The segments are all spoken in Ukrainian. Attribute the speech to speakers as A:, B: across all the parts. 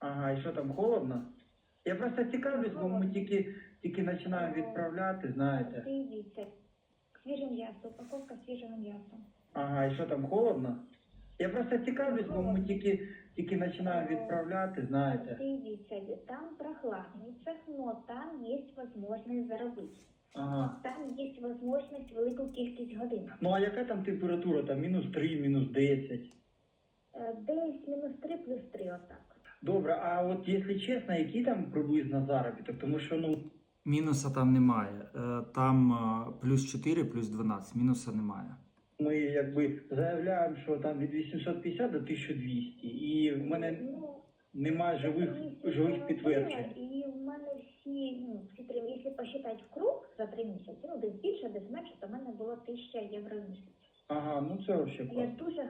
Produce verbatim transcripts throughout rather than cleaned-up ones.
A: Ага, і що там, холодно? Я просто цікавлюсь, бо ми тільки, тільки починаємо відправляти, знаєте.
B: Дивіться, свіже м'ясо, упаковка свіжого м'яса.
A: Ага, і що там, холодно? Я просто цікавлюсь, бо ми тільки, тільки починаємо відправляти, знаєте.
B: Дивіться, там прохладний цех, но там є можливість заробити.
A: Ага.
B: Там є можливість велику кількість годин.
A: Ну а яка там температура? Там мінус три, мінус десять?
B: Е, Десь мінус три, плюс три, отак.
A: Добре, а от якщо чесно, який там приблизно заробіток? Тому що, ну... Мінуса там немає. Е, Там е, плюс чотири, плюс дванадцять. Мінуса немає. Ми якби заявляємо, що там від вісімсот п'ятдесят до тисяча двісті. І в мене
B: Ну,
A: немає живих, живих підтверджень.
B: І в мене всі, ну, всі три, якщо посчитати в круг за три місяці, ну, десь більше, десь менше, то в мене було тисяча євро в місяць.
A: Ага, ну це взагалі
B: Я
A: класно.
B: дуже...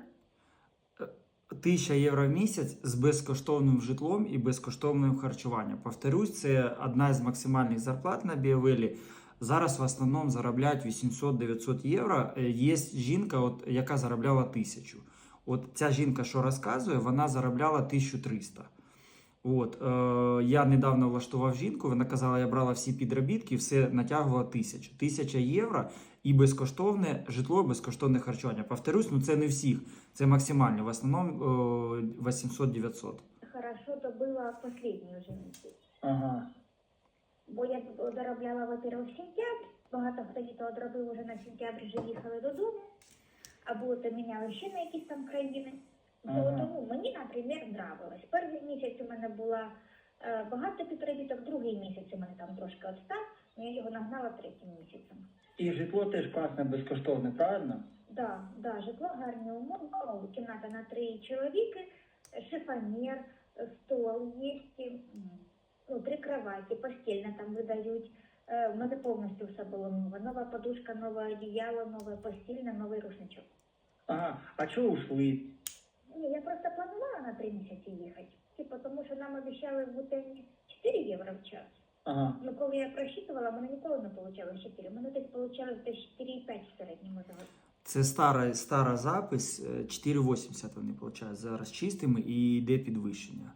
C: Тисяча євро в місяць з безкоштовним житлом і безкоштовним харчуванням. Повторюсь, це одна з максимальних зарплат на Біовелі. Зараз в основному заробляють вісімсот-дев'ятсот євро. Є жінка, от, яка заробляла тисячу. От ця жінка, що розказує, вона заробляла тисячу триста. От, е, я недавно влаштував жінку, вона казала, я брала всі підробітки, все натягувала тисячу. Тисяча євро і безкоштовне житло, безкоштовне харчування. Повторюсь, ну це не всіх, це максимально, в основному е, вісімсот-дев'ятсот.
B: Хорошо, то було останній вже місяць.
A: Ага.
B: Бо я доробляла, во-первых, сентябрь, багато хто то одробив вже на сентябрь, вже їхали додому, або то міняли ще на якісь там країни.
A: Ага.
B: Тому мені, наприклад, нравилось. Перший місяць у мене була е, багато підробіток, другий місяць у мене там трошки відстав, але я його нагнала третім місяцем.
A: І житло теж класне, безкоштовне, правильно?
B: Да, да, житло гарні умови, кімната на три чоловіки, шифонер, стол є, ну, три кроваті, постільне там видають. Е, в мене повністю все було нове. Нова подушка, нове одіяло, нове постільне, новий рушничок.
A: Ага, а чого ушли?
B: Ні, я просто планувала на три місяці їхати. Типу, тому що нам обіцяли в бутені чотири євро в час.
A: Ага.
B: Ну, коли я просчитувала, в мене ніколи не вийшло чотири. У мене десь вийшло десь чотири і п'ять в середньому за год.
C: Це стара, стара запис, чотири вісімдесят вони получають зараз чистими і йде підвищення.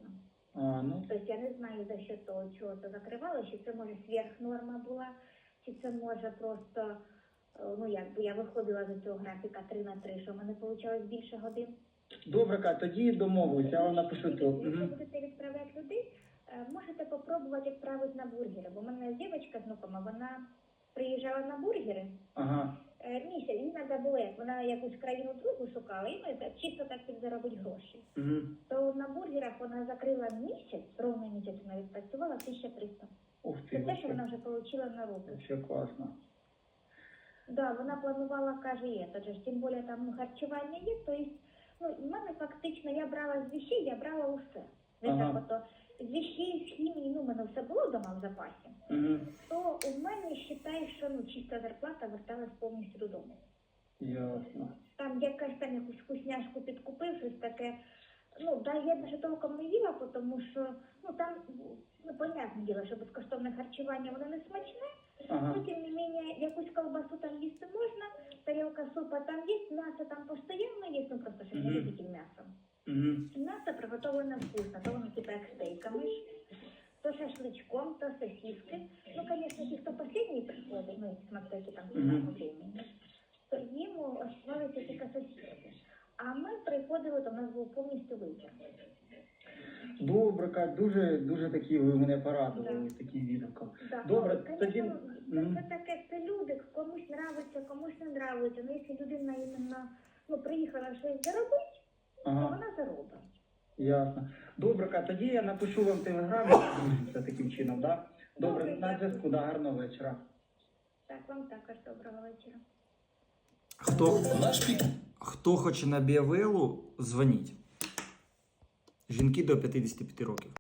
A: А, ну.
B: Тобто я не знаю, за що того, чого це закривало, чи це може сверхнорма була, чи це може просто, ну якби я виходила з цього графіка три на три, що в мене вийшло більше годин.
A: Добре, Кать, тоді домовилися, я вам напишу то.
B: Якщо будете відправляти людей, можете спробувати відправити на бургери, бо в мене дівчинка знакома, вона приїжджала на бургери.
A: Ага.
B: Місяць, їй треба було, як вона якусь країну другу шукала, і ну, чисто так підзаробити гроші.
A: Угу.
B: То на бургерах вона закрила місяць, ровно місяць вона відпрацювала тисяча триста.
A: Ух ти,
B: Це те, що вона вже отримала на руку.
A: Все класно.
B: Да, вона планувала, каже, є, тож, тим більше там ну, харчування є, то є, ну, в мене фактично, я брала з вещей, я брала усе.
A: Ага.
B: Так, ото, з вещей, з хімії, ну, в мене все було вдома в запасі.
A: Угу.
B: То у мене, вважаю, що ну, чиста зарплата верталась повністю додому.
A: Ясно.
B: Там якась там якусь вкусняшку підкупив, щось таке. Ну, да, я навіть толком не їла, тому що, ну, там, ну, понятне діло, що безкоштовне харчування, воно не смачне.
A: Ага.
B: Ну, тим не менше, якусь колбасу там їсти можна, тарілка супа там є, м'ясо там постійно є, ну, просто що не
A: Мгм.
B: любитель м'яса.
A: Угу.
B: М'ясо приготовлене вкусно, то воно типу як стейками ж, то шашличком, то сосиски. Ну, звісно, ті, хто останній приходить, ну, які смотрите там
A: Мгм.
B: по времени, то їм оставалися тільки сосиски. А ми приходили, то в нас був повністю вибір.
A: Добре, Кать, дуже, дуже такі ви мене порадували
B: Да.
A: таким відгуком.
B: Да.
A: Добре,
B: Ну,
A: тоді...
B: конечно, це,
A: Мгм.
B: це таке, це люди, комусь нравиться, комусь не нравиться. Ну, якщо людина іменно, ну, приїхала щось заробити, то
A: Ага,
B: вона заробить.
A: ясно. Добре, Кать, тоді я напишу вам в телеграмі, це таким чином, да? Добре,
B: Добре,
A: на
B: дякую.
A: зв'язку, да, гарного вечора.
B: Так, вам також доброго вечора.
C: Хто, хто хоче на Біовелу, дзвоніть. Жінки до п'ятдесят п'ять років.